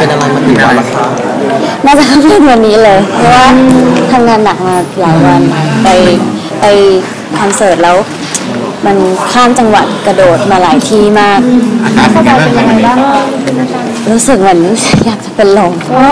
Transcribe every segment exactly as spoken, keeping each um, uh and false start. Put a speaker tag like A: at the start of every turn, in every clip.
A: เป็นอะไรมาถึงวันละครับ
B: น่าจะเป็นวันนี้เลยเพราะว่าทำงานหนักมาหลายวันไปไปคอนเสิร์ตแล้วมันข้ามจังหวัดกระโดดมาหลายที่มาก
A: อาการเป็นยังไงบ้าง
B: รู้สึกเหมือนอยากจะเป็นลม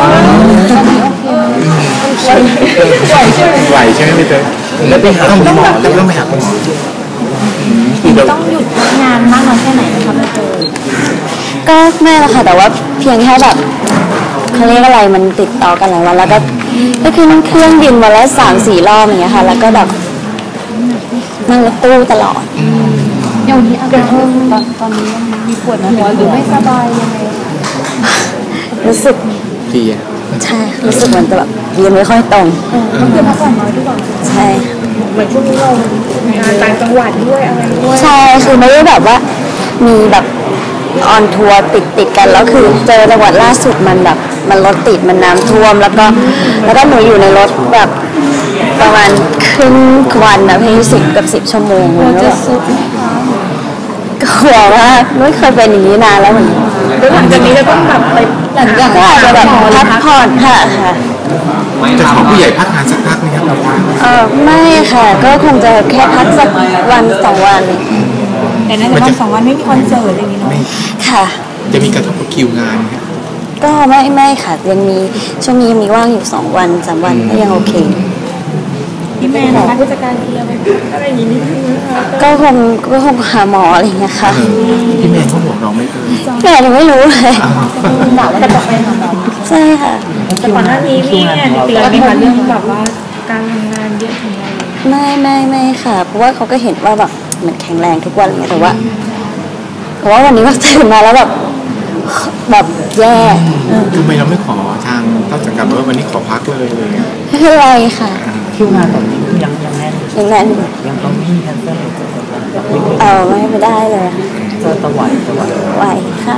A: ไหวใช่ไหมพี่เต้แล้วไปหาคุณหมอแล้วต้องไปหาคุณหมอ
C: ต้องหยุดงานมากน้อยแค่ไหนนะคะพี่เต้
B: ก็ไม่ละค่ะแต่ว่าเพียงแค่แบบเขาเรียกอะไรมันติดต่อกันหลายวันแล้วก็ก็ขึ้นเครื่องบินวันละสามสี่รอบอย่างเงี้ยค่ะแล้วก็แบบนั่งรถตู้ตลอด
C: อย่างนี้อาการตอนตอนนี้มีปวดหัวหรือไม่สบายยังไง
B: รู้สึก
A: ดี
B: ใช่รู้สึกเหมือนแบบยืนไม่ค่อยตรง
C: ก็คือพักผ่อนน้อยด้วยก่อน
B: ใช่
C: เหมือนช่วงนี้เรางานต่างจังหวัดด้วยอะไรด้วย
B: ใช่คือไม่ได้แบบว่ามีแบบออนทัวร์ติดติดกันแล้วคือเจอจังหวัดล่าสุดมันแบบมันรถติดมันน้ำท่วมแล้วก็แล้วก็หนูอยู่ในรถแบบประมาณครึ่งวันนะพี่สิบกับสิบชั่วโมงเลยก็ก็กลัวมากไม่เคยเป็นอย่างนี้นานแล้วเหมือน
C: แล้วหลังจากนี้จะต้องแบบไปหลังจาก
B: ก็อาจจะแบบพักผ่อนค่ะค่ะ
A: จะขอผู้ใหญ่พักงานสักพักไหมครับเรา
B: เออไม่ค่ะก็คงจะแค่พักสักวันสองวัน
C: แต่ในวันสองวันไม่มีคอนเสิร์ตอะไรอย่างนี้เนาะ
B: ค่ะ
A: จะมีกระทบกับคิวงานไหม
B: ก็ไม่ไม่ค่ะยังมีช่วงนี้มีว่างอยู่สองวันสามวันก็ยังโอเค
C: พี่แม่นะคะผู้จัดการเคลียร์ไปอะไรอย่างนี้นิดนึงนะคะ
B: ก็คงก็คงหาหมออะไรอย่างเงี้ยค่ะ
A: พี่แม่เขาบอกเราไม่เคย
B: แม่หนูไม่รู้เลย
C: กะว่าจะไปหาหมอ
B: ใช่ค่ะ
C: แต่ก่อนหน้านี้พี่เนี่ยเตือนไหมคะเรื่องแบบว่าการทำงานเยอะของเรา
B: ไม่ไม่ไม่ค่ะเพราะว่าเขาก็เห็นว่าแบบเหมือนแข็งแรงทุกวันเลยแต่ว่าเพราะว่าวันนี้ก็ตื่นมาแล้วแบบแบบแย่
A: ทำไมเราไม่ขอทางต้นสังกัดว่าวันนี้ขอพักเลยเลย
B: ไม่เป็นไรค่ะ
D: คิวงานตอนนี้ยังยังแน่น
B: ยังแน่น
D: ยังต้องมีแคนเซิล
B: เออไม่ไปได้เลย
D: จะตะไหวตะไหว
B: ไหวค่ะ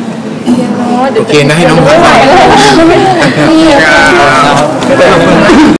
A: โอเคนะให้น้อง
B: ไหว